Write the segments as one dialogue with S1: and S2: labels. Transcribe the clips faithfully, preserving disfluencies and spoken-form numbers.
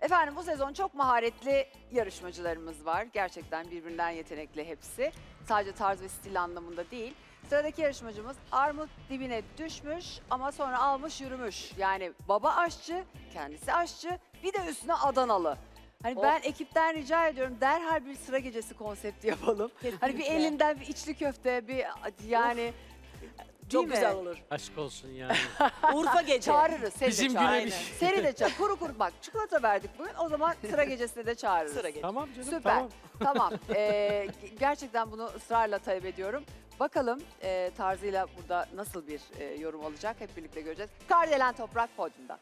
S1: Efendim bu sezon çok maharetli yarışmacılarımız var. Gerçekten birbirinden yetenekli hepsi. Sadece tarz ve stil anlamında değil. Sıradaki yarışmacımız armut dibine düşmüş ama sonra almış yürümüş. Yani baba aşçı, kendisi aşçı, bir de üstüne Adanalı. Hani
S2: Of.
S1: ben ekipten rica ediyorum derhal bir sıra gecesi konsepti yapalım. Hani bir elinden bir içli köfte, bir yani
S2: Çok
S1: değil mi?
S2: güzel olur.
S3: Aşk olsun yani.
S2: Urfa gece.
S1: Çağırırız. Seni
S3: Bizim
S1: de çağır.
S3: güne bir-
S1: Aynen. Seni de çağır. Kuru kuru bak çikolata verdik bugün. O zaman sıra gecesine de çağırırız.
S2: Sıra gece.
S3: Tamam canım
S1: Süper.
S3: tamam.
S1: Tamam. Ee, gerçekten bunu ısrarla talep ediyorum. Bakalım e, tarzıyla burada nasıl bir e, yorum olacak hep birlikte göreceğiz. Kardelen Toprak podyumda.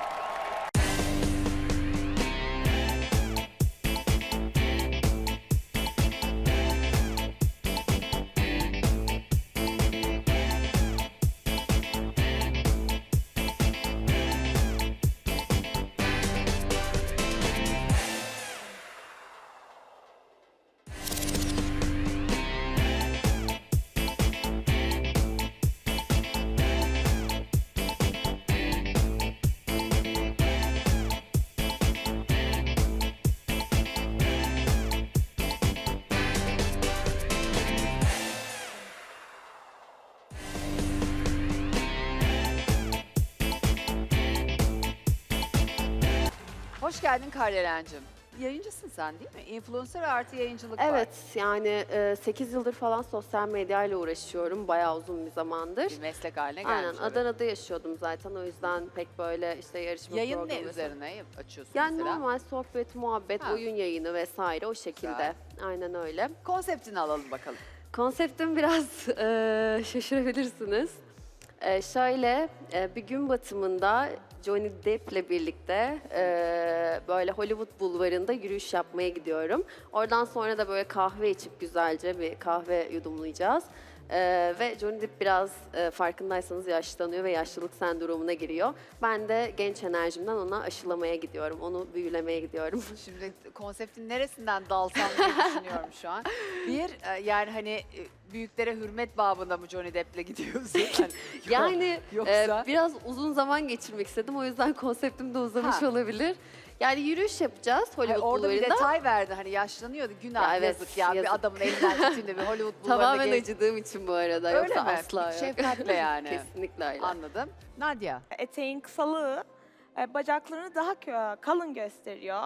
S1: Hoş geldin Kardelen'cim. Yayıncısın sen değil mi? Influencer artı yayıncılık var.
S4: Evet, yani sekiz yıldır falan sosyal medyayla uğraşıyorum. Bayağı uzun bir zamandır.
S1: Bir meslek haline gelmiş.
S4: Aynen,
S1: evet.
S4: Adana'da yaşıyordum zaten. O yüzden pek böyle işte yarışma
S1: Yayın ne
S4: programı vesaire.
S1: üzerine yap- açıyorsun
S4: Yani
S1: mesela?
S4: normal sohbet, muhabbet,
S1: Ha.
S4: oyun yayını vesaire o şekilde. Aynen öyle.
S1: Konseptini alalım bakalım.
S4: Konseptim biraz eee, şaşırabilirsiniz. Eee, şöyle eee, bir gün batımında Johnny Depp'le birlikte eee, böyle Hollywood bulvarında yürüyüş yapmaya gidiyorum. Oradan sonra da böyle kahve içip güzelce bir kahve yudumlayacağız. Eee, ve Johnny Depp biraz eee, farkındaysanız yaşlanıyor ve yaşlılık sendromuna giriyor. Ben de genç enerjimden ona aşılamaya gidiyorum. Onu büyülemeye gidiyorum.
S1: Şimdi konseptin neresinden dalsam diye düşünüyorum şu an. Bir, e, yani hani e, büyüklere hürmet babında mı Johnny Depp'le gidiyorsun? Hani, yok-
S4: Yani
S1: yoksa
S4: e, biraz uzun zaman geçirmek istedim. O yüzden konseptim de uzamış
S1: Ha.
S4: olabilir. Yani yürüyüş yapacağız
S1: Hayır,
S4: Hollywood
S1: orada bir
S4: bulvarında.
S1: detay verdi hani yaşlanıyordu günah
S4: Ya evet,
S1: yazık ya bir
S4: yazık.
S1: adamın elinden tutayım da bir Hollywood bulvarında
S4: Tamamen
S1: gez-
S4: acıdığım için bu arada.
S1: Öyle
S4: Yoksa
S1: mi?
S4: asla yok.
S1: Şefkatle yani.
S4: Kesinlikle öyle.
S1: Anladım. Nadia.
S5: Eteğin kısalığı e, bacaklarını daha kö- kalın gösteriyor.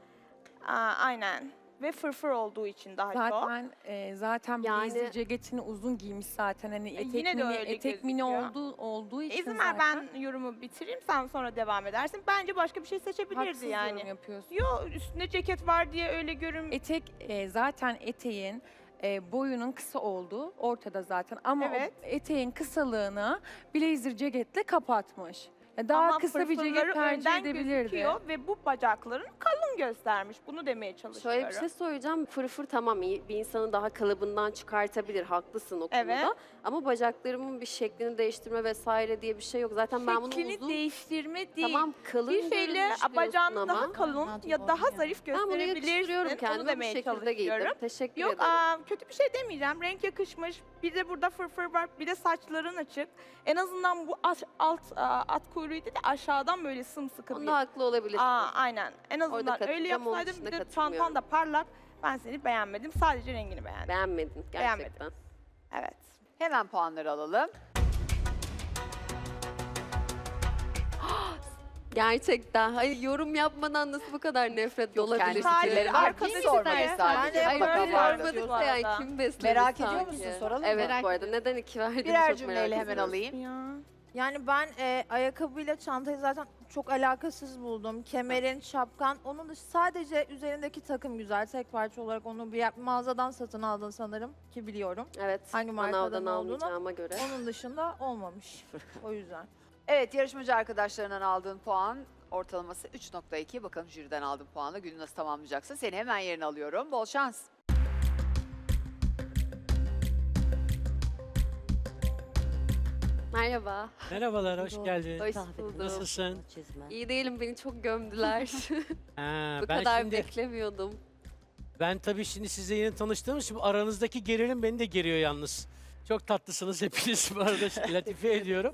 S5: Aa, aynen. Ve fırfır olduğu için daha çok.
S6: Zaten e, zaten
S4: Yani-
S6: blazer ceketini uzun giymiş zaten hani
S5: E,
S6: etek
S5: yine de
S6: mini
S5: öyle
S6: etek mini
S5: gözüküyor.
S6: olduğu olduğu için
S5: İzin ver
S6: zaten
S5: ben yorumu bitireyim, sen sonra devam edersin. Bence başka bir şey seçebilirdi
S6: haksız
S5: yani.
S6: yorum yapıyorsun.
S5: Yo, üstünde ceket var diye öyle görün.
S6: Etek e, zaten eteğin e, boyunun kısa olduğu ortada zaten ama
S5: Evet.
S6: o eteğin kısalığını blazer ceketle kapatmış. Ya daha
S5: Ama
S6: kısa bir
S5: fırfırları
S6: ceket tercih
S5: önden
S6: edebilirdi.
S5: gözüküyor ve bu bacakların kalın göstermiş. Bunu demeye çalışıyorum.
S4: Şöyle bir şey söyleyeceğim. Fırfır tamam iyi, bir insanı daha kalıbından çıkartabilir. Haklısın o konuda.
S5: Evet.
S4: Ama bacaklarımın bir şeklini değiştirme vesaire diye bir şey yok. Zaten ben bunu
S5: Şeklini
S4: uzun...
S5: değiştirme değil.
S4: Tamam kalın
S5: bir şeyle
S4: görünüş diyorsun
S5: bacağını
S4: ama.
S5: daha kalın ya daha zarif
S4: Ben bunu
S5: gösterebilirsin.
S4: yakıştırıyorum
S5: Onu
S4: kendime bu
S5: demeye
S4: şekilde
S5: çalışıyorum.
S4: giydim. Teşekkür
S5: Yok
S4: ederim.
S5: aa, kötü bir şey demeyeceğim. Renk yakışmış. Bir de burada fırfır var. Bir de saçların açık. En azından bu aş- alt aa, at kuyruğuydu da aşağıdan böyle sımsıkı bir.
S4: Onda haklı olabilir.
S5: Aa, aynen. En azından öyle
S4: katılacağım, onun
S5: yapsaydın
S4: dışında
S5: bir de
S4: katılmıyorum.
S5: çantan da parlak. Ben seni beğenmedim. Sadece rengini beğendim.
S4: Beğenmedin
S5: Beğenmedim.
S4: gerçekten.
S5: Evet.
S1: Hemen puanları alalım.
S4: Gerçekten. Hayır yorum yapmadan nasıl bu kadar nefret
S1: Yok,
S4: olabilir
S1: kendi
S5: Hayır,
S1: fikirleri var.
S5: arkadaşı
S1: Biz sormadık
S5: derse,
S1: sadece.
S5: bence
S4: Hayır
S1: Mutlaka
S5: böyle
S1: vardır.
S5: görmedik.
S4: görmedik
S5: bu
S4: de yani
S5: arada.
S4: kim besledi
S1: Merak ediyor
S4: sanki?
S1: musun? Soralım mı?
S4: Evet
S7: Merak
S4: bu arada neden iki verdiğini
S1: Birer
S4: çok
S1: cümleyle
S4: merak
S1: hemen
S4: ediyorum.
S1: alayım.
S5: Ya.
S7: Yani ben e, ayakkabıyla çantayı zaten çok alakasız buldum. Kemerin, şapkan, onun dışı sadece üzerindeki takım güzel. Tek parça olarak onu bir yer- mağazadan satın aldın sanırım ki biliyorum.
S4: Evet.
S7: Hangi markadan
S4: manavdan
S7: olduğunu.
S4: almayacağıma göre.
S7: Onun dışında olmamış. O yüzden.
S1: Evet, yarışmacı arkadaşlarından aldığın puan ortalaması üç nokta iki. Bakalım jüriden aldığın puanla günü nasıl tamamlayacaksın. Seni hemen yerine alıyorum. Bol şans.
S4: Merhaba.
S3: Merhabalar, hoş geldin.
S4: Hoş buldum.
S3: Nasılsın?
S4: İyi değilim, beni çok gömdüler.
S3: Ha,
S4: bu
S3: ben
S4: kadar
S3: şimdi,
S4: beklemiyordum.
S3: ben tabii şimdi sizle yeni tanıştığım için bu aranızdaki gerilim beni de geriyor yalnız. Çok tatlısınız hepiniz bu arada latife ediyorum.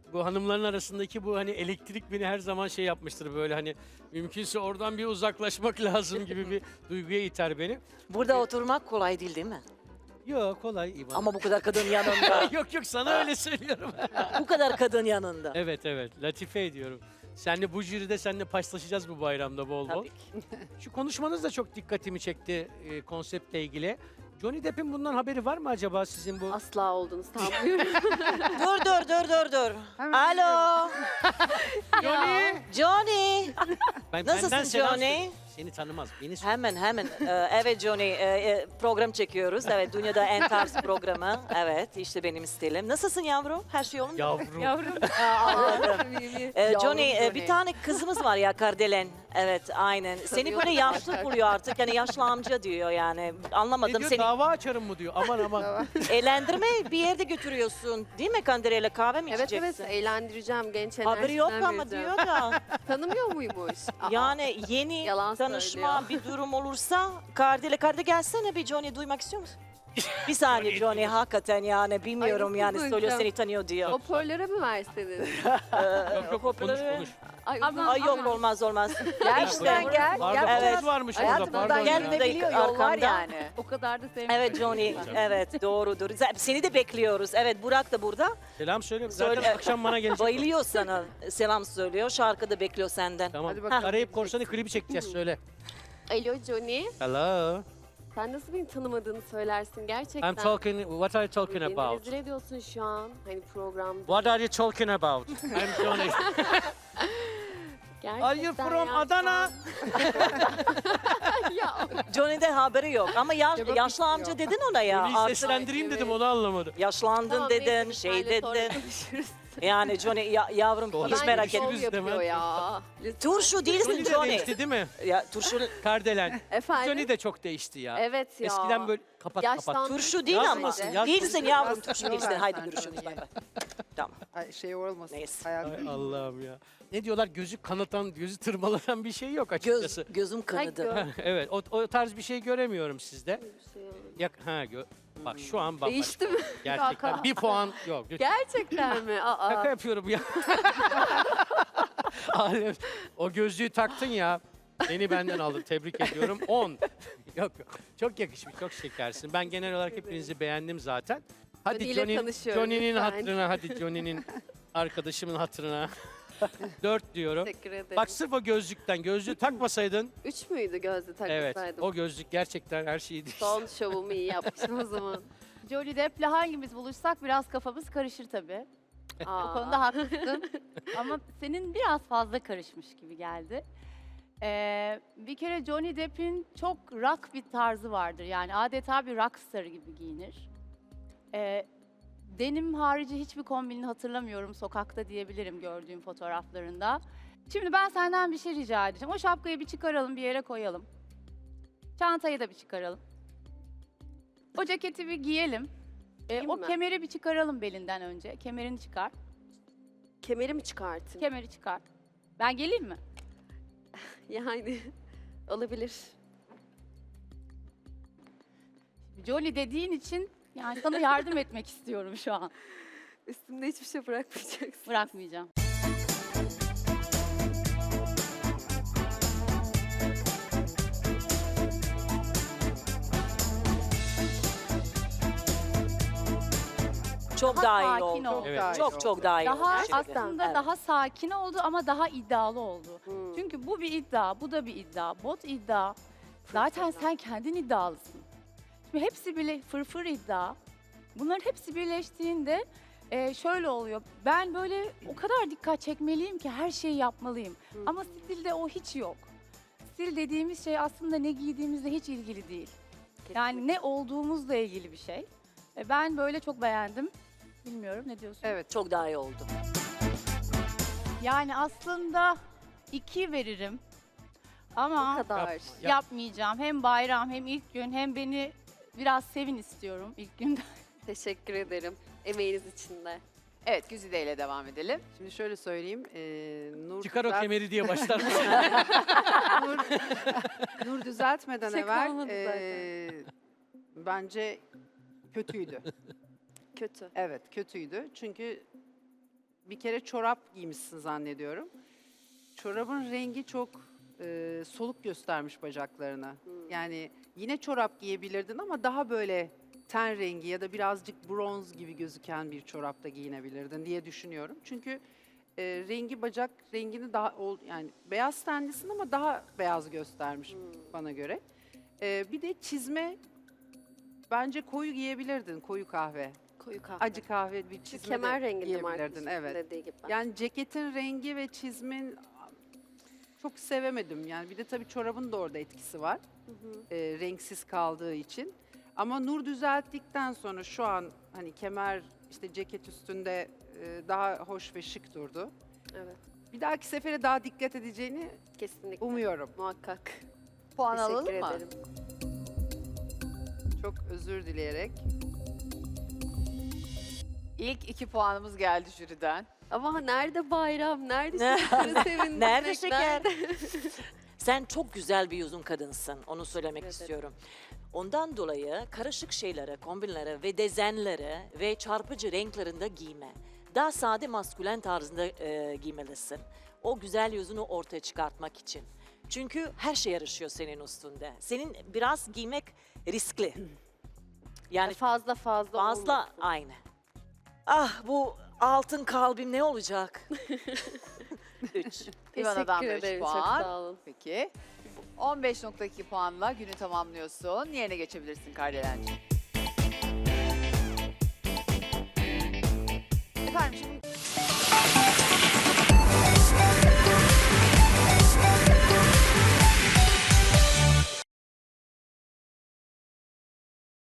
S3: bu hanımların arasındaki bu hani elektrik beni her zaman şey yapmıştır böyle hani mümkünse oradan bir uzaklaşmak lazım gibi bir duyguya iter beni.
S2: Burada oturmak kolay değil değil mi?
S3: Yok kolay İvan.
S2: Ama bu kadar kadın yanında.
S3: yok yok sana öyle söylüyorum.
S2: bu kadar kadın yanında.
S3: evet evet latife ediyorum. Seninle bu jüride seninle paslaşacağız bu bayramda bol bol.
S2: Tabii ki.
S3: Şu konuşmanız da çok dikkatimi çekti e, konseptle ilgili. Johnny Depp'in bundan haberi var mı acaba sizin bu?
S4: Asla olduğunu sanmıyorum.
S2: dur dur dur dur dur. Alo.
S3: Johnny!
S2: Johnny.
S3: Ben,
S2: Nasılsın
S3: benden selam
S2: Johnny?
S3: söyle. Seni tanımaz. Beni söyle.
S2: Hemen hemen. Ee, evet Johnny, e, e, program çekiyoruz. Evet, dünyada en tarz programı. Evet, işte benim stilim. Nasılsın yavrum? Her şey yolunda mı?
S3: Yavrum.
S6: Yavrum.
S2: Ee, Johnny, e,
S1: Johnny.
S2: bir tane kızımız var ya Kardelen. Evet, aynen. Seni böyle yaşlı buluyor artık. Yani yaşlı amca diyor yani.
S3: Ne
S2: Anlamadım
S3: diyor?
S2: seni.
S3: Dava açarım mı diyor. Aman aman.
S2: Eğlendirme bir yerde götürüyorsun. Değil mi Kandere'yle kahve mi
S4: evet
S2: içeceksin?
S4: evet eğlendireceğim genç
S2: Haberi yok
S4: enerjisinden
S2: ama
S4: vereceğim.
S2: diyor da.
S4: Tanımıyor muymuş? Aa,
S2: Yani yeni
S4: Yalan
S2: tanışma
S4: söylüyor.
S2: bir durum olursa Kardele Karde gelsene bir Johnny duymak istiyor musun? bir saniye Johnny hakikaten yani bilmiyorum
S4: Ay,
S2: yani
S4: nasıl
S2: söylüyor
S4: duyacağım?
S2: seni tanıyor diyor.
S4: Hoparlöre mi verseniz?
S3: yok yok konuş konuş.
S4: Ay,
S6: Abla-
S4: uzun-
S2: Ay yok olmaz olmaz.
S1: Gerçekten
S3: Pardon.
S1: gel.
S3: Pardon
S1: gel.
S2: Evet.
S3: evet. varmış
S1: Hayatım
S3: orada
S1: buradan
S3: pardon
S2: gel
S3: ya.
S2: buraya.
S1: yürünebiliyor yol var
S2: Arkamda.
S1: yani.
S6: O kadar da sevmiyorum.
S2: Evet Johnny evet doğrudur. Z- Seni de bekliyoruz. Evet Burak da burada.
S3: Selam söyle. Zaten
S2: Söyle.
S3: akşam bana gelecek.
S2: Bayılıyor sana. Selam söylüyor. Şarkı da bekliyor senden.
S3: Tamam.
S4: Hadi bakalım.
S3: Arayıp korsanı klibi çekeceğiz söyle.
S4: Alo Johnny.
S3: Hello.
S4: Sen nasıl beni tanımadığını söylersin gerçekten.
S3: I'm talking, what are you talking
S4: Beni
S3: about?
S4: rezil ediyorsun şu an. Hani programda.
S3: What are you talking about? I'm Johnny.
S4: Gerçekten
S3: Are you from
S4: ya,
S3: Adana?
S4: ya
S2: Johnny'den haberi yok. Ama yaş,
S7: Kebap
S2: yaşlı amca dedin ona ya.
S3: Johnny'yi
S2: Artık
S3: seslendireyim dedim onu anlamadı.
S2: yaşlandın
S4: tamam,
S2: dedin,
S4: neyse, biz
S2: şey
S4: seninle sonra
S2: dedin.
S4: konuşuruz.
S2: Yani Johnny ya- yavrum
S3: Doğru.
S2: hiç
S3: Ben
S2: merak
S3: şov
S2: etme.
S3: Görüşürüz
S4: yapıyor
S3: demem.
S4: ya. Lütfen.
S2: Turşu değilsin
S3: Johnny de
S2: Johnny.
S3: değişti değil mi?
S2: Ya turşu
S3: Kardelen.
S4: Efendim?
S3: Johnny de çok değişti ya.
S4: Evet ya.
S3: Eskiden böyle kapat kapat.
S4: Yaşlandı.
S2: turşu değil
S3: Yazmasın,
S2: ama.
S3: yaz-
S2: Değilsin yavrum
S8: Yaz-
S2: turşu
S8: yol
S2: değilsin.
S8: ver
S2: Haydi
S8: sen
S2: görüşürüz.
S8: Johnny'ye.
S2: Bay bay. Tamam.
S8: Ay, şey olmasın.
S2: Neyse.
S8: Hayal
S3: Ay
S8: kırıklığı.
S3: Allah'ım ya. Ne diyorlar gözü kanatan, gözü tırmalanan bir şey yok
S2: Göz,
S3: açıkçası.
S2: gözüm
S4: Ay,
S2: kanadı.
S4: gör-
S3: evet o, o tarz bir şey göremiyorum sizde.
S4: Bir şey oldu.
S3: Yak ha gö bak şu an bambaşka.
S4: Değişti mi?
S3: Gerçekten bir puan yok.
S4: Gerçekten mi? Aa.
S3: Şaka yapıyorum ya. Alem o gözlüğü taktın ya. Beni benden aldın. Tebrik ediyorum. on. Yok yok. Çok yakışmış. Çok şekersin. Ben genel olarak hepinizi beğendim zaten. Hadi
S4: Johnny ile
S3: Johnny,
S4: tanışıyorum,
S3: Johnny'nin
S4: lütfen.
S3: hatırına, hadi Johnny'nin arkadaşımın hatırına. dört diyorum.
S4: Teşekkür ederim.
S3: Bak sırf o gözlükten. Gözlüğü takmasaydın.
S4: Üç müydü gözlü
S3: Evet.
S4: takmasaydım?
S3: O gözlük gerçekten her şeyi değişti.
S4: Son şovumu iyi yapmışım o zaman.
S6: Johnny Depp'le hangimiz buluşsak biraz kafamız karışır tabii.
S4: Aa.
S6: Bu konuda haklısın. Ama senin biraz fazla karışmış gibi geldi. Ee, bir kere Johnny Depp'in çok rock bir tarzı vardır. Yani adeta bir rockstar gibi giyinir. Ee, denim harici hiçbir kombinini hatırlamıyorum sokakta diyebilirim gördüğüm fotoğraflarında. Şimdi ben senden bir şey rica edeceğim. O şapkayı bir çıkaralım, bir yere koyalım. Çantayı da bir çıkaralım. O ceketi bir giyelim. Ee,
S4: Giyeyim
S6: o
S4: mi?
S6: kemeri bir çıkaralım belinden önce. Kemerini çıkar.
S4: Kemeri mi çıkartayım?
S6: Kemeri çıkar. Ben geleyim mi?
S4: Yani olabilir.
S6: Johnny dediğin için yani sana yardım etmek istiyorum şu an.
S4: Üstümde hiçbir şey bırakmayacaksın.
S6: Bırakmayacağım.
S2: Çok
S6: Daha
S2: daha iyi
S6: sakin
S2: oldu.
S6: oldu.
S3: Evet.
S2: Çok çok daha iyi oldu.
S6: Daha
S2: gerçekten.
S6: aslında
S2: Evet.
S6: daha sakin oldu ama daha iddialı oldu.
S4: Hmm.
S6: Çünkü bu bir iddia, bu da bir iddia. Bot iddia. Zaten sen kendin iddialısın. Şimdi hepsi bile fırfır iddia. Bunların hepsi birleştiğinde e, şöyle oluyor. Ben böyle o kadar dikkat çekmeliyim ki her şeyi yapmalıyım.
S4: Hı.
S6: Ama stilde o hiç yok. Stil dediğimiz şey aslında ne giydiğimizle hiç ilgili değil. Yani ne olduğumuzla ilgili bir şey. E, ben böyle çok beğendim. Bilmiyorum ne diyorsun?
S2: Evet çok daha iyi oldu.
S6: Yani aslında iki veririm. Ama
S4: O kadar.
S3: Yap- yap.
S6: yapmayacağım. Hem bayram hem ilk gün hem beni biraz sevin istiyorum ilk günden.
S4: Teşekkür ederim. Emeğiniz için de.
S1: Evet Güzide ile devam edelim.
S8: Şimdi şöyle söyleyeyim. eee Nur
S3: Çıkar o
S8: düzelt-
S3: kemeri diye başlar mısın?
S8: Nur, Nur düzeltmeden
S4: Şaka
S8: evvel
S4: olmadı zaten.
S8: eee, bence kötüydü.
S4: Kötü.
S8: Evet kötüydü. Çünkü bir kere çorap giymişsin zannediyorum. Çorabın rengi çok e, soluk göstermiş bacaklarını. Yani yine çorap giyebilirdin ama daha böyle ten rengi ya da birazcık bronz gibi gözüken bir çorap da giyinebilirdin diye düşünüyorum. Çünkü e, rengi bacak rengini daha ol, yani beyaz tenlisin ama daha beyaz göstermiş bana göre. E, bir de çizme bence koyu giyebilirdin, koyu kahve.
S4: Koyu kahve.
S8: Acı kahve bir çizme
S4: Kemer
S8: de
S4: renginde
S8: giyebilirdin.
S4: markasının
S8: Evet.
S4: dediği gibi.
S8: Yani ceketin rengi ve çizmin çok sevemedim. Yani bir de tabii çorabın da orada etkisi var. Ee, renksiz kaldığı için. Ama Nur düzelttikten sonra şu an hani kemer işte ceket üstünde e, daha hoş ve şık durdu.
S4: Evet.
S8: Bir dahaki sefere daha dikkat edeceğini
S4: Kesinlikle.
S8: umuyorum.
S4: Muhakkak.
S1: Puan
S4: Teşekkür
S1: alalım mı?
S4: ederim.
S8: Çok özür dileyerek.
S1: İlk iki puanımız geldi jüriden.
S4: Ama nerede bayram? Nerede çocukları sevindirmek?
S2: Nerede şeker?
S4: nerede?
S2: Sen çok güzel bir yüzün kadınsın. Onu söylemek
S4: Teşekkür
S2: istiyorum. Ondan dolayı karışık şeyleri, kombinleri ve dezenleri ve çarpıcı renklerinde giyme. Daha sade maskülen tarzında e, giymelisin. O güzel yüzünü ortaya çıkartmak için. Çünkü her şey yarışıyor senin üstünde. Senin biraz giymek riskli. Yani
S4: fazla fazla
S2: fazla
S4: olmasın.
S2: aynı. Ah bu altın kalbim ne olacak? Üç.
S1: İvana'dan
S4: Teşekkür
S1: beş
S4: ederim. Çok
S1: puan.
S4: sağ olun.
S1: Peki. on beş nokta iki puanla günü tamamlıyorsun. Yerine geçebilirsin Kardelen'ciğim.